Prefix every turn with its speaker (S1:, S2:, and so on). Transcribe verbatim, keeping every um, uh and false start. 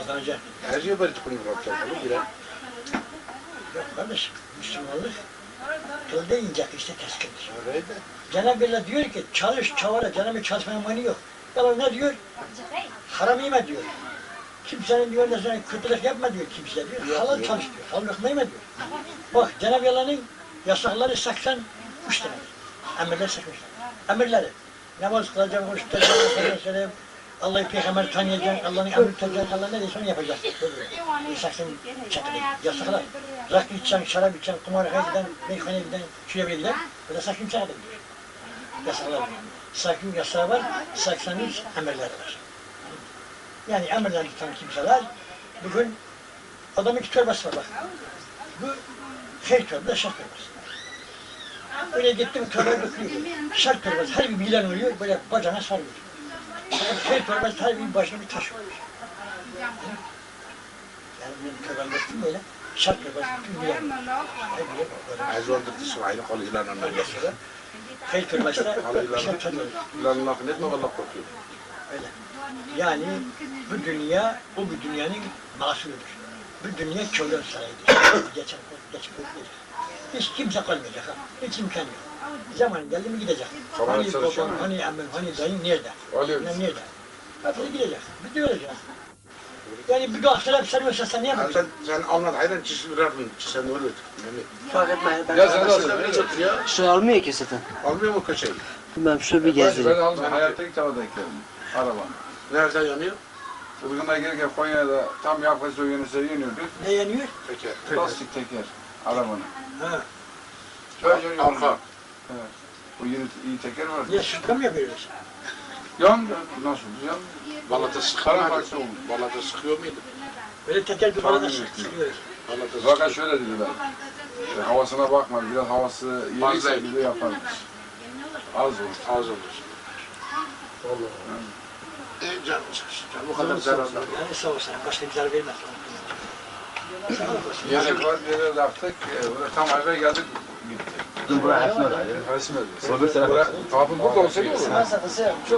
S1: kazanacak.
S2: Her şey böyle tıkını bırakacak.
S1: Yok kardeşim, Müslümanlık kılda inecek işte keskindir.
S2: Öyleydi.
S1: Cenab-ı Allah diyor ki çalış çavala, Cenab-ı çalışmaya mani yok. Allah ne diyor? Haram yeme diyor. Kimsenin diyor ne kötülük yapma diyor kimseye diyor. Halal çalış diyor. Halal lokma yeme diyor. Bak Cenab-ı Allah'ın yasakları seksen üç tane. Emirler seksen üç tane. Emirleri. Namaz kılacağım, oruç tutacağım, Allah'ı peygamber tanıyacaksın, Allah'ın emri tutacaksın, Allah ne diyorsa onu yapacaksın. seksen çekili. Yasaklar. Rakı içeceksin, şarap içeceksin, kumarhaneye giden, meyhaneye giden, şuraya bile giden, böyle sakın çekili diyor. Yasaklar var. Sakın yasağı var, seksen üç emirleri var. Yani emirlerini tutan kimseler, bugün adamın iki torbası var bak. Bu şey torbası, şart torbası. Öyle gittim torbayı dökülüyor. Şart torbası, her bir bilen oluyor, böyle bacağına sarıyor. Şey torbası, her bir başına bir taş oluyor. Yani benim torbayı döktüm böyle, şart torbası, bütün bilen oluyor.
S2: Az oldu İsmail'in kolu ilan ondan geçiyor.
S1: Şey torbası da şart torbası.
S2: İlanın lafını etme, Allah korkuyor.
S1: Öyle. Yani bu dünya, o bu dünyanın mahsulüdür. Bu dünya kölön sarayıdır. Geçen geçip ödeyecek. Hiç kimse kalmayacak ha. Hiç imkan yok. Zaman geldi mi gidecek. Hani babam, hani emmim, hani dayın nerede? Annem nerede? Hepsi gidecek. Bir de ölecek. Yani bir doktor hep sarıyorsa sen ne yapacaksın?
S2: Sen, sen anlat, hayran çizgi vererdin, sen öyle
S3: Fark etme. Ben
S2: ya sen nasıl ya?
S3: Şu almıyor ki zaten.
S2: Almıyor mu köşeyi?
S3: Ben şu bir
S4: Ben
S3: gezdireyim.
S4: almıyorum. Hayatta ilk defa denk geldim. Araba.
S2: Nereden yanıyor?
S4: Ilgın'a gelirken Konya'da tam yaklaşık o yönüse yeniyorduk.
S1: Ne yanıyor?
S2: Teker.
S4: Plastik teker. Arabanın.
S1: Ha.
S4: Şöyle yanıyor.
S2: Arka.
S4: Evet. O yeni iyi teker var.
S1: Ya şırka mı yapıyoruz?
S4: Yandı. Nasıl? Yandı.
S2: Balata sıkıyor muydu?
S4: Paramparça oldu.
S2: Balata sıkıyor muydu?
S1: Böyle teker bir arada
S4: Tahmin
S1: sıkıyoruz.
S2: Balata
S4: Fakat
S2: sıkıyor.
S4: şöyle dediler. E, havasına bakma. Biraz havası yeriyse
S2: Fazla.
S4: bir de yaparız. Az olur.
S2: Az olur. Allah. E canım sıkışın. Bu kadar zararlı.
S1: Yani sağ olsun. Başka bir zarar vermez.
S4: Yedek var, yere taktık. E, böyle tam eve geldik. Gitti.
S3: Dur buraya.
S4: Resim edildi. Kapı burada olsaydı olur.